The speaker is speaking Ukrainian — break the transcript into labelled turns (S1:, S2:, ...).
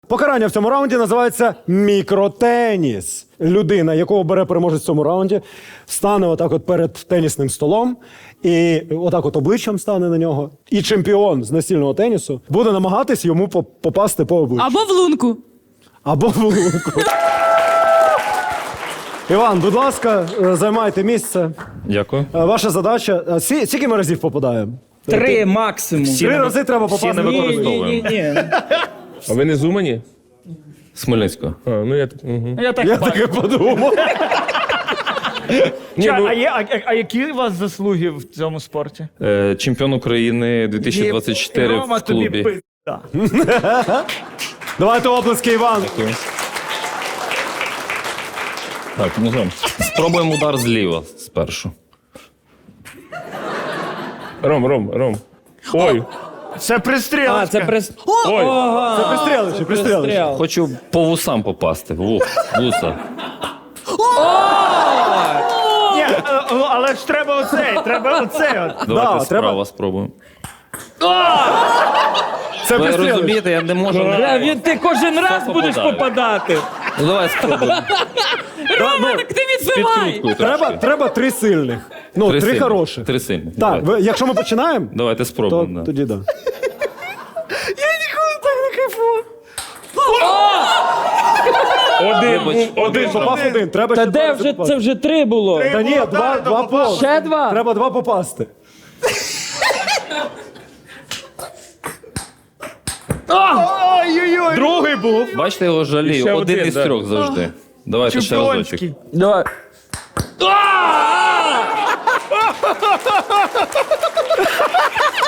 S1: Покарання в цьому раунді називається мікротеніс. Людина, якого бере переможець в цьому раунді, стане отак от перед тенісним столом і отак от обличчям стане на нього. І чемпіон з настільного тенісу буде намагатись йому попасти по обличчю.
S2: Або в лунку.
S1: Або в лунку. Іван, будь ласка, займайте місце.
S3: Дякую.
S1: Ваша задача. Скільки ми разів попадаємо?
S4: 3 максимум.
S1: 3 рази треба попасти.
S3: не використовуємо.
S4: Ні.
S5: А ви не з Умані?
S3: З Хмельницького.
S5: А, ну я так. Угу.
S4: Я так
S1: Я
S4: бачу.
S1: таке подумав.
S5: Ні, ну,
S4: А які у вас заслуги в цьому спорті?
S3: Чемпіон України 2024
S4: Рома,
S3: в клубі.
S4: тобі пизда.
S1: Давайте оплески, Іван.
S3: Дякую. Так, ну що, спробуємо удар зліва спершу.
S5: Ром. Ой,
S4: Це пристрілочка.
S5: ой.
S1: Це пристрілище, пристрілище.
S3: Хочу по вусам попасти. Вуса.
S4: Ні, але ж треба оцей. От.
S3: Давайте
S1: треба.
S3: справа спробуємо.
S1: Це
S3: Ви
S1: пристрілище.
S3: розумієте, я не можу.
S4: Ти кожен раз будеш попадати.
S3: Ну давай спробуємо.
S2: Рома, так ти відбивай!
S3: Підкруткою
S1: Треба 3 сильних. Ну, 3
S3: сильні.
S1: хороших.
S3: 3 сильні.
S1: Так, якщо ми починаємо,
S3: Давайте
S1: то
S3: спробуємо. Да.
S1: тоді да.
S3: Вибач.
S1: Попав один, треба
S4: Та
S1: ще
S4: де
S1: два
S4: вже
S1: попасти.
S4: це вже 3 було?
S1: Та ні, два повз.
S4: Ще 2?
S1: Треба 2 попасти.
S4: Ой-ой-ой.
S1: Другий був.
S3: Бачите, його
S5: Ще
S3: жалію. Один
S5: один,
S3: із
S5: да.
S3: 3 завжди. Давайте ще разочок.
S4: Чемпіонський. Давай.